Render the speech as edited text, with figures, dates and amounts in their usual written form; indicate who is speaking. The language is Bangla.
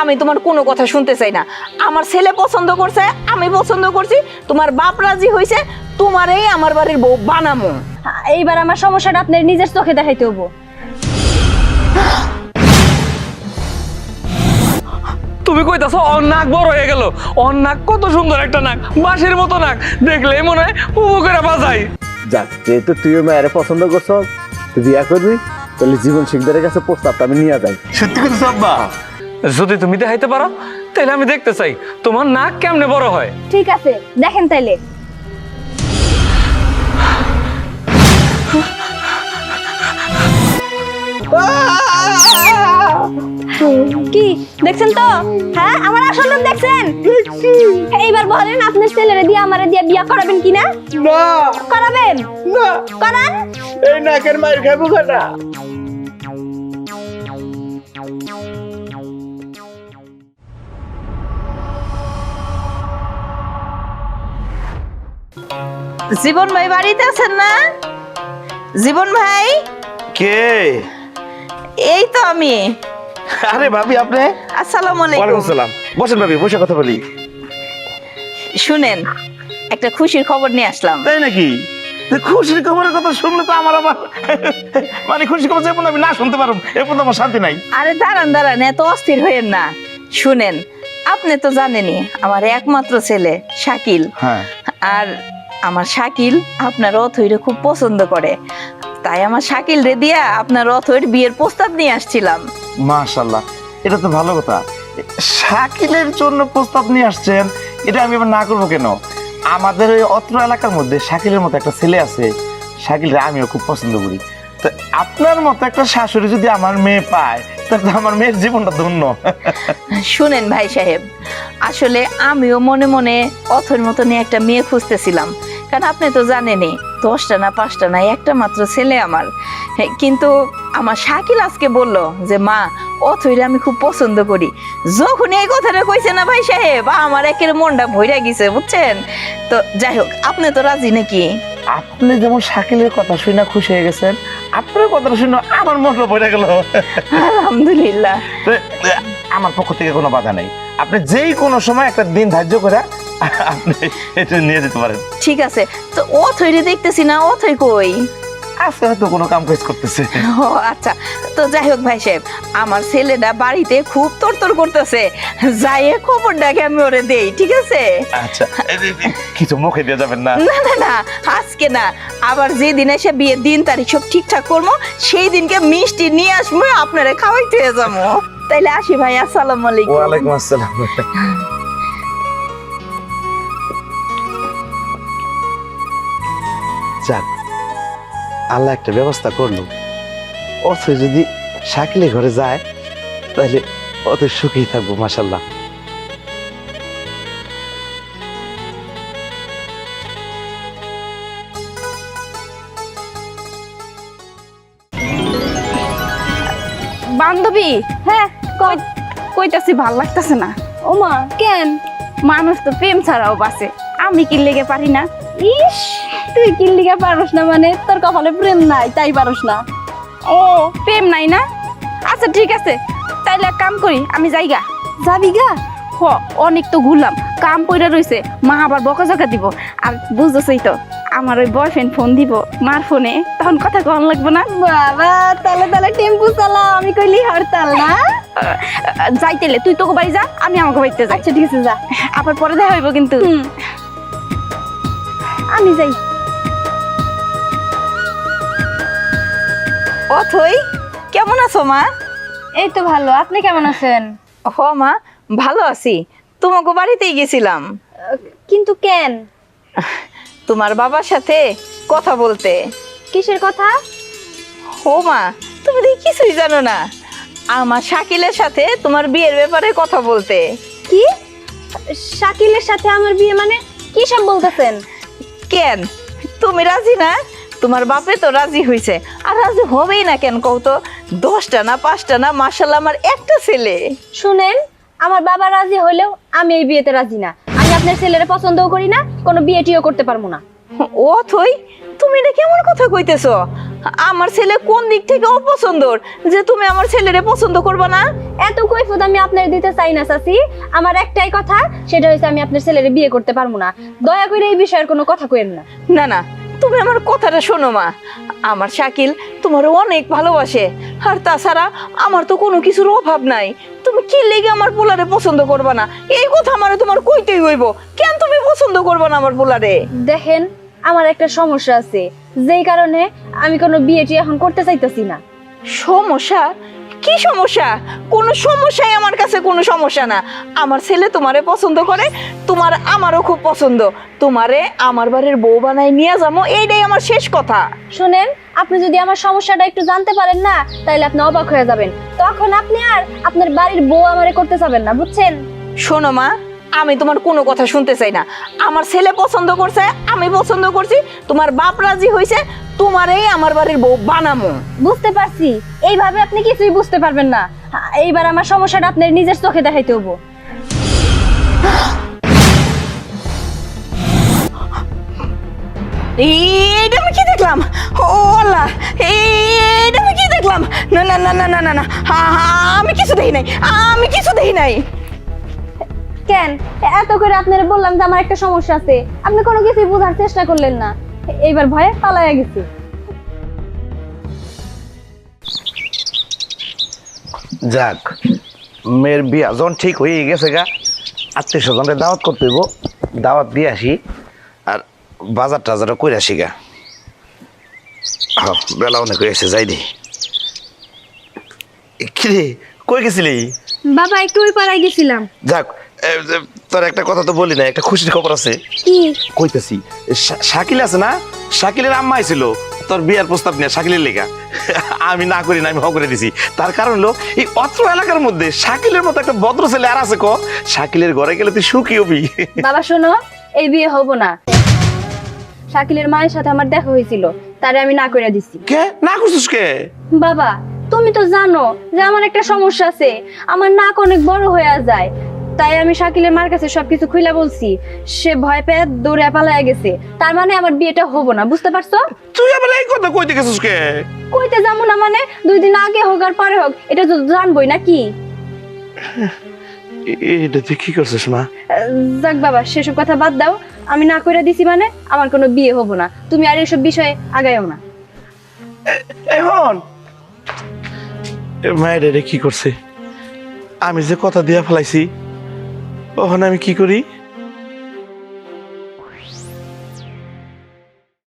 Speaker 1: আমি তোমার কোনো কথা শুনতে চাই না। আমার ছেলে পছন্দ করছে, আমি পছন্দ করছি, তোমার বাপ রাজি হয়েছে, তোমারই আমার বাড়ির বউ বানামো।
Speaker 2: এইবার আমার সমস্যাটা আপনার নিজের চোখে দেখাইতে হবো।
Speaker 3: তুমি কইতাছো ওর নাক বড় হয়ে গেল? ওর নাক কত সুন্দর একটা নাক, বাঁশির মতো নাক, দেখলে মনে হয় উপু করে বাজাই।
Speaker 4: যাক, যেহেতু তুইও মায়ের পছন্দ করছো, তুই বিয়া করবি, তাহলে জীবন শিকদারের কাছে প্রস্তাবটা আমি নিয়ে যাই।
Speaker 5: সত্যি কথা আব্বা?
Speaker 3: যদি তুমি দেখাইতে পারো তাহলে আমি দেখতে চাই তোমার নাক কেমনে বড় হয়।
Speaker 2: ঠিক আছে, দেখেন তাইলে। কি দেখছেন তো? হ্যাঁ, আমার আসল রূপ দেখছেন? এইবার বলেন আপনার ছেলেরে দিয়ে আমারে দিয়ে বিয়া করাবেন কিনা?
Speaker 4: না
Speaker 2: করাবেন?
Speaker 4: না,
Speaker 2: করান।
Speaker 4: এই নাকের মায়ের খাবো না।
Speaker 1: জীবন ভাই বাড়িতে আছেন না? জীবন ভাই,
Speaker 5: কে?
Speaker 1: এই তো আমি।
Speaker 5: আরে ভাবি আপনি?
Speaker 1: আসসালামু
Speaker 5: ওয়ালাইকুম
Speaker 1: আলাইকুম।
Speaker 5: আসসালাম। বসেন ভাবি, বসে কথা বলি।
Speaker 1: শুনেন, একটা খুশির খবর নিয়ে আসলাম।
Speaker 5: তাই নাকি? তো খুশির খবরের কথা শুনলে তো আমার আবার মানে খুশির খবর যেমন আমি না শুনতে পারবো এরপর আমার শান্তি নাই।
Speaker 1: আরে দাঁড়ান দাঁড়ান, এত অস্থির হইেন না। শুনেন, আপনি তো জানেনই আমার একমাত্র ছেলে শাকিল।
Speaker 5: হ্যাঁ।
Speaker 1: আর আমার শাকিল আপনার অথৈরে খুব পছন্দ করে, তাই আমার শাকিল রে দিয়া আপনার অথৈর বিয়ের প্রস্তাব নিয়ে আসছিলাম।
Speaker 5: মাশাআল্লাহ, এটা তো ভালো কথা। শাকিলের জন্য প্রস্তাব নিয়ে আসছেন, এটা আমি আবার না করবো কেন? আমাদের ওই অত্র এলাকার মধ্যে শাকিলের মতো একটা ছেলে আছে, শাকিলরে আমিও খুব পছন্দ করি। তো আপনার মতো একটা শাশুড়ি যদি আমার মেয়ে পায়, তাহলে তো আমার মেয়ের জীবনটা ধন্য।
Speaker 1: শুনেন ভাই সাহেব, আসলে আমিও মনে মনে অথর মতনই একটা মেয়ে খুঁজতেছিলাম, কারণ আপনি তো জানেনই 10টা না 5টা না একটা মাত্র ছেলে আমার। কিন্তু আমার শাকিল আজকে বলল যে মা, অথইরে আমি খুব পছন্দ করি। যখন এই কথাটা কইছে না ভাই সাহেব, আমার একের মনটা ভইরা গেছে, বুঝছেন? তো যাই হোক, আপনি তো রাজি নাকি?
Speaker 5: আপনি যেমন শাকিলের কথা শুনে খুশি হয়ে গেছেন, আপনার কথাটা শুনে আমার মনটা ভরে গেল।
Speaker 1: আলহামদুলিল্লাহ।
Speaker 5: তো, আমার পক্ষ থেকে কোনো বাধা নেই, আপনি যেই কোনো সময় একটা দিন ধার্য করে আপনি এটা নিয়ে যেতে পারেন।
Speaker 1: ঠিক আছে, তো অথইরে দেখতেছি না, অথই কই?
Speaker 5: আজকে হয়তো কোনো কাম কাজ করতেছে।
Speaker 1: ও আচ্ছা, তো যাই হোক ভাই সাহেব, আমার ছেলেটা বাড়িতে খুব তরতর করতেছে, যাইয়ে খবরটাকে আমি ওরে দেই, ঠিক আছে?
Speaker 5: আচ্ছা, কিছু মুখে দিয়ে যাবেন না?
Speaker 1: না না না, আজকে না, আবার যেদিন এসে বিয়ের দিন তারিখ সব ঠিকঠাক করবো, সেই দিনকে মিষ্টি নিয়ে আসবো, আপনারা খাওয়াইতে যাবো। তাইলে আসি ভাই, আসসালামু আলাইকুম।
Speaker 5: ওয়ালাইকুম আসসালাম। যাক, আল্লাহ একটা ব্যবস্থা করলো। অথচ যদি শাকিলে ঘরে যায় তাহলে অত সুখী থাকবো। মাশাল্লাহ।
Speaker 6: বান্ধবী,
Speaker 2: হ্যাঁ,
Speaker 6: কইতাছি ভাল লাগতেছে না।
Speaker 2: ওমা কেন?
Speaker 6: মানুষ তো প্রেম ছাড়াও বাঁচে, আমি কি লেগে পারি না?
Speaker 2: ইস, তুই কি লিগা পারস না? মানে তোর কপালে প্রেম নাই তাই পারস না?
Speaker 6: ও, প্রেম নাই না? আচ্ছা ঠিক আছে, তাইলে এক কাম করি, আমি যাইগা।
Speaker 2: যাবি গা?
Speaker 6: হ, অনেক তো ঘুরলাম, কাম পইরা রইছে, মা আবার বকাঝকা দিব। আর বুঝতেছই তো, আমার ওই বয়ফ্রেন্ড ফোন দিব মার ফোনে, তখন কথা কন লাগবে না।
Speaker 2: বাবা, তাহলে তাহলে টেম্পু চালা, আমি কইলি হরতাল না?
Speaker 6: যাইতেলে তুই তোকে বাড়ি যা, আমি আমাকে বাড়িতে যাই।
Speaker 2: আচ্ছা ঠিক আছে, যা।
Speaker 6: আবার পরে দেখা হইব কিন্তু।
Speaker 2: আমি যাই।
Speaker 1: অথই, কেমন আছো মা?
Speaker 2: এই তো ভালো, আপনি কেমন আছেন?
Speaker 1: হ মা, ভালো আছি। তোমাকে বাড়িতেই গেছিলাম
Speaker 2: কিন্তু কেন?
Speaker 1: তোমার বাবার সাথে কথা বলতে।
Speaker 2: কিসের কথা?
Speaker 1: ও মা, তুমি দেখি কিছুই জানো না, আমার শাকিলের সাথে তোমার বিয়ের ব্যাপারে কথা বলতে।
Speaker 2: কি? শাকিলের সাথে আমার বিয়ে? মানে কি সব বলতেছেন?
Speaker 1: কেন, তুমি রাজি না? তোমার বাপে তো রাজি হয়েছে, আর রাজি হবেই না কেন কও তো? 10টা না 5টা না, মাশাআল্লাহ আমার একটা ছেলে।
Speaker 2: শুনেন, আমার বাবা রাজি হলেও আমি এই বিয়েতে রাজি না। আমি আপনার ছেলের পছন্দও করি না, কোনো বিয়ে টিও করতে পারবো না।
Speaker 1: অথই, তুমি এটা কেমন কথা কইতেছ? আমার ছেলে কোন দিক থেকে অপছন্দর যে তুমি আমার ছেলেরে পছন্দ করবে না?
Speaker 2: এত কৈফত আমি আপনার দিতে চাই না চাচি। আমার একটাই কথা, সেটা হচ্ছে আমি আপনার ছেলেরে বিয়ে করতে পারবো না। দয়া করে এই বিষয়ের কোনো কথা কইেন না।
Speaker 1: না না, তুমি আমার কথাটা শোনো মা। আমার শাকিল তোমার অনেক ভালোবাসে, আর তাছাড়া আমার তো কোনো কিছুর অভাব নাই। তুমি কি লেগে আমার পোলারে পছন্দ করবে না এই কথা আমারে তোমার কইতেই হইব। কেন তুমি পছন্দ করবে না আমার পোলারে?
Speaker 2: দেখেন, আমার একটা সমস্যা আছে, যেই কারণে আমি কোনো বিয়েটি এখন করতে চাইতেছি না।
Speaker 1: সমস্যা? কি সমস্যা? কোনো সমস্যাই আমার কাছে কোনো সমস্যা না। আমার ছেলে তোমারে পছন্দ করে, তোমার আমারও খুব পছন্দ। তোমারে আমার বাড়ির বউ বানায় নিয়ে যাবো, এইটাই আমার শেষ কথা।
Speaker 2: শুনেন, আপনি যদি আমার সমস্যাটা একটু জানতে পারেন না, তাহলে আপনি অবাক হয়ে যাবেন। তখন আপনি আর আপনার বাড়ির বউ আমারে করতে যাবেন না, বুঝছেন?
Speaker 1: শোনো মা, আমি তোমার কোনো কথা শুনতে চাই না। আমার ছেলে পছন্দ করছে, আমি পছন্দ করছি, তোমার বাপ রাজি হয়েছে, তোমারই আমার বাড়ির বউ বানামো।
Speaker 2: বুঝতে পারছি, এইভাবে আপনি কিছুই বুঝতে পারবেন না। এইবার আমার সমস্যাটা আপনার নিজের চোখে দেখাইতে হবো।
Speaker 1: এইটা আমি কি দেখলাম? ও আল্লাহ, এইটা আমি কি দেখলাম? না না না না না না না, আমি কিছু দেখি নাই, আমি কিছু দেখি নাই।
Speaker 2: কেন এত করে আপনারা বললাম যে আমার একটা সমস্যা আছে, আপনি কোনো কিছুই বোঝার চেষ্টা করলেন না। এইবার ভয়ে পালায়া গেছি।
Speaker 5: যাক, মেয়ের বিয়া যখন ঠিক হয়ে গেছে গা, আত্মীয় স্বজনকে দাওয়াত করতে হইব, দাওয়াত দিয়ে আসি আর বাজার টাজারও করে আসি গা। বেলা অনেক হয়েছে, যাই দি। কিরে, কই গেছিলি?
Speaker 2: বাবা, একটু ওই পাড়ায় গেছিলাম।
Speaker 5: যাক, তোর একটা কথা তো বলি না, একটা খুশির খবর আছে।
Speaker 2: কি?
Speaker 5: কইতেছি, শাকিল আছে না, শাকিলের আম্মা আইছিল তোর বিয়ার প্রস্তাব নিয়ে শাকিলের লেগা। আমি না করি না, আমি হ করে দিছি। তার কারণ হলো এই অত্র এলাকার মধ্যে শাকিলের মতো একটা ভদ্র ছেলে আর আছে ক? শাকিলের ঘরে গেলে তুই সুখী হবি।
Speaker 2: বাবা শোনো, এই বিয়ে হবো না। শাকিলের মায়ের সাথে আমার দেখা হয়েছিল, তারে আমি না করে দিছি।
Speaker 5: কে না করছিস কে?
Speaker 2: বাবা, তুমি তো জানো যে আমার একটা সমস্যা আছে, আমার নাক অনেক বড় হয়ে যায়। তাই আমি শাকিলের মার কাছে সবকিছু খুইলা বলছি। সে ভয় পেয়ে দৌড়ে পালায়া গেছে। তার মানে আমার বিয়েটা হবো না, বুঝতে পারছো?
Speaker 5: তুই আবার এই কথা কইতে গেছিস কে?
Speaker 2: কইতে যাবো না মানে? 2 দিন আগে হোক আর পরে হোক, এটা তো জানবোই নাকি?
Speaker 5: এটা তুই কি করছিস মা?
Speaker 2: যাক বাবা, সেসব কথা বাদ দাও। আমি না কইরা দিছি মানে আমার কোনো বিয়ে হবো না। তুমি আর এসব বিষয়ে আগাইও না।
Speaker 5: এখন মায়ের এটা কি করছে? আমি যে কথা দিয়া ফেলাইছি, ওখানে আমি কি করি?